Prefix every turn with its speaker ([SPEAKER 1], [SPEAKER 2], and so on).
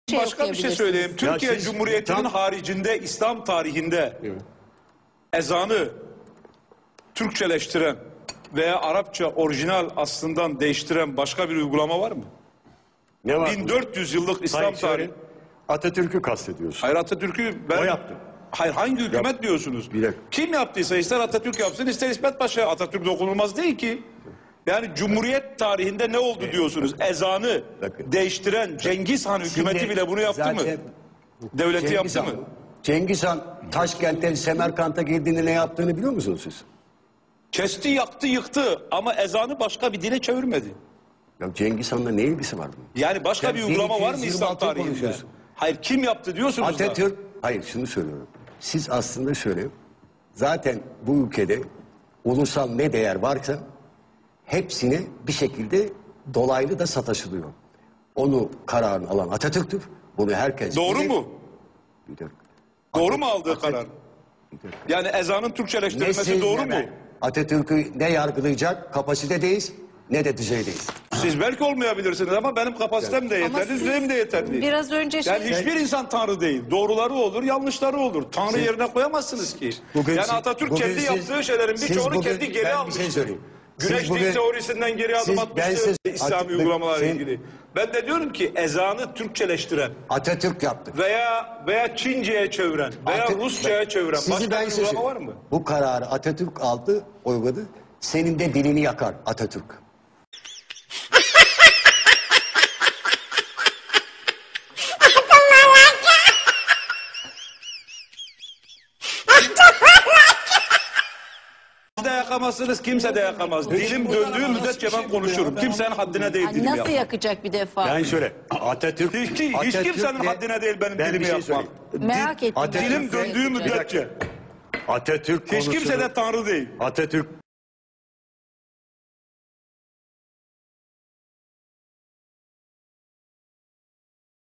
[SPEAKER 1] Başka bir şey söyleyeyim. Türkiye
[SPEAKER 2] siz-
[SPEAKER 1] Cumhuriyeti'nin haricinde İslam tarihinde ezanı Türkçeleştiren veya Arapça orijinal aslından değiştiren başka bir uygulama var mı?
[SPEAKER 2] Ne var?
[SPEAKER 1] 1400 yıllık İslam
[SPEAKER 2] Sayın
[SPEAKER 1] tarihi.
[SPEAKER 2] Şahin, Atatürk'ü kastediyorsun.
[SPEAKER 1] Hayır, Atatürk'ü ben...
[SPEAKER 2] O yaptı.
[SPEAKER 1] Hayır, hangi hükümet diyorsunuz?
[SPEAKER 2] Bir dakika.
[SPEAKER 1] Kim yaptıysa ister Atatürk yapsın ister İsmet Paşa. Atatürk dokunulmaz değil ki. Yani Cumhuriyet tarihinde ne oldu diyorsunuz? Ezanı
[SPEAKER 2] Bakın.
[SPEAKER 1] değiştiren Cengiz Han hükümeti
[SPEAKER 3] Şimdi
[SPEAKER 1] bile bunu yaptı mı?
[SPEAKER 3] zaten
[SPEAKER 1] Devleti
[SPEAKER 3] Cengiz
[SPEAKER 1] yaptı
[SPEAKER 3] Han-
[SPEAKER 1] mı?
[SPEAKER 3] Cengiz Han Taşkent'ten Semerkant'a girdiğinde ne yaptığını biliyor musunuz siz?
[SPEAKER 1] Kesti, yaktı, yıktı ama ezanı başka bir dile çevirmedi.
[SPEAKER 3] Ya Cengiz Han'la ne ilgisi var bunun?
[SPEAKER 1] Yani başka
[SPEAKER 3] Sen
[SPEAKER 1] bir uygulama var mı
[SPEAKER 3] 1226
[SPEAKER 1] İslam tarihinde?
[SPEAKER 3] konuşuyorsun.
[SPEAKER 1] Hayır, kim yaptı diyorsunuz da.
[SPEAKER 3] Atatürk, hayır şunu söylüyorum. Siz aslında şöyle, zaten bu ülkede ulusal ne değer varsa hepsine bir şekilde dolaylı da sataşılıyor. Onu kararını alan Atatürk'tür. Bunu herkes
[SPEAKER 1] Doğru
[SPEAKER 3] bilir.
[SPEAKER 1] mu?
[SPEAKER 3] Bir dakika.
[SPEAKER 1] Doğru mu aldığı karar?
[SPEAKER 3] Bir dakika.
[SPEAKER 1] Yani ezanın
[SPEAKER 3] Ne
[SPEAKER 1] Türkçeleştirilmesi
[SPEAKER 3] siz
[SPEAKER 1] doğru
[SPEAKER 3] ne
[SPEAKER 1] mu?
[SPEAKER 3] ben. Atatürk'ü ne yargılayacak kapasitedeyiz ne de düzeydeyiz.
[SPEAKER 1] Siz belki olmayabilirsiniz ama benim kapasitem de
[SPEAKER 4] Ama
[SPEAKER 1] yeterli,
[SPEAKER 4] siz
[SPEAKER 1] düzeyim de yeterli.
[SPEAKER 4] Biraz önce
[SPEAKER 1] Yani hiçbir insan tanrı değil. Doğruları olur, yanlışları olur. Tanrı yerine koyamazsınız ki.
[SPEAKER 3] Bugün
[SPEAKER 1] Yani
[SPEAKER 3] siz-
[SPEAKER 1] Atatürk
[SPEAKER 3] bugün
[SPEAKER 1] kendi
[SPEAKER 3] siz-
[SPEAKER 1] yaptığı şeylerin
[SPEAKER 3] siz
[SPEAKER 1] birçoğunu
[SPEAKER 3] bugün-
[SPEAKER 1] kendi geri
[SPEAKER 3] ben bir
[SPEAKER 1] almıştı.
[SPEAKER 3] şey söyleyeyim. Siz
[SPEAKER 1] Güneş
[SPEAKER 3] bugün-
[SPEAKER 1] dil teorisinden geri adım
[SPEAKER 3] siz- ben
[SPEAKER 1] atmıştı
[SPEAKER 3] siz-
[SPEAKER 1] İslami
[SPEAKER 3] At-
[SPEAKER 1] uygulamalarla
[SPEAKER 3] siz-
[SPEAKER 1] ilgili. Ben de diyorum ki ezanı Türkçeleştiren
[SPEAKER 3] Atatürk yaptı.
[SPEAKER 1] veya Çince'ye çeviren veya
[SPEAKER 3] Atatürk-
[SPEAKER 1] Rusça'ya çeviren
[SPEAKER 3] Sizi
[SPEAKER 1] başka
[SPEAKER 3] ben
[SPEAKER 1] bir
[SPEAKER 3] size
[SPEAKER 1] uygulama var
[SPEAKER 3] söyleyeyim.
[SPEAKER 1] mı?
[SPEAKER 3] Bu kararı Atatürk aldı, uyguladı. Senin de dilini yakar Atatürk.
[SPEAKER 1] Siz de yakamazsınız, kimse de yakamaz. Dilim döndüğü müddetçe ben konuşurum. Kimsenin haddine değil dilimi
[SPEAKER 4] nasıl
[SPEAKER 1] yapmak.
[SPEAKER 4] yakacak bir defa?
[SPEAKER 2] Yani şöyle Atatürk...
[SPEAKER 1] Hiç
[SPEAKER 2] Atatürk'le-
[SPEAKER 1] kimsenin haddine değil benim
[SPEAKER 2] Ben bir
[SPEAKER 1] dilimi
[SPEAKER 2] şey
[SPEAKER 1] yapmak.
[SPEAKER 2] söyleyeyim.
[SPEAKER 4] Merak ettim.
[SPEAKER 2] Atatürk-
[SPEAKER 1] Dilim
[SPEAKER 4] Nasıl
[SPEAKER 1] döndüğü
[SPEAKER 4] yakacak?
[SPEAKER 1] müddetçe.
[SPEAKER 2] Atatürk
[SPEAKER 1] Hiç kimse
[SPEAKER 2] konusunu-
[SPEAKER 1] de tanrı değil.
[SPEAKER 2] Atatürk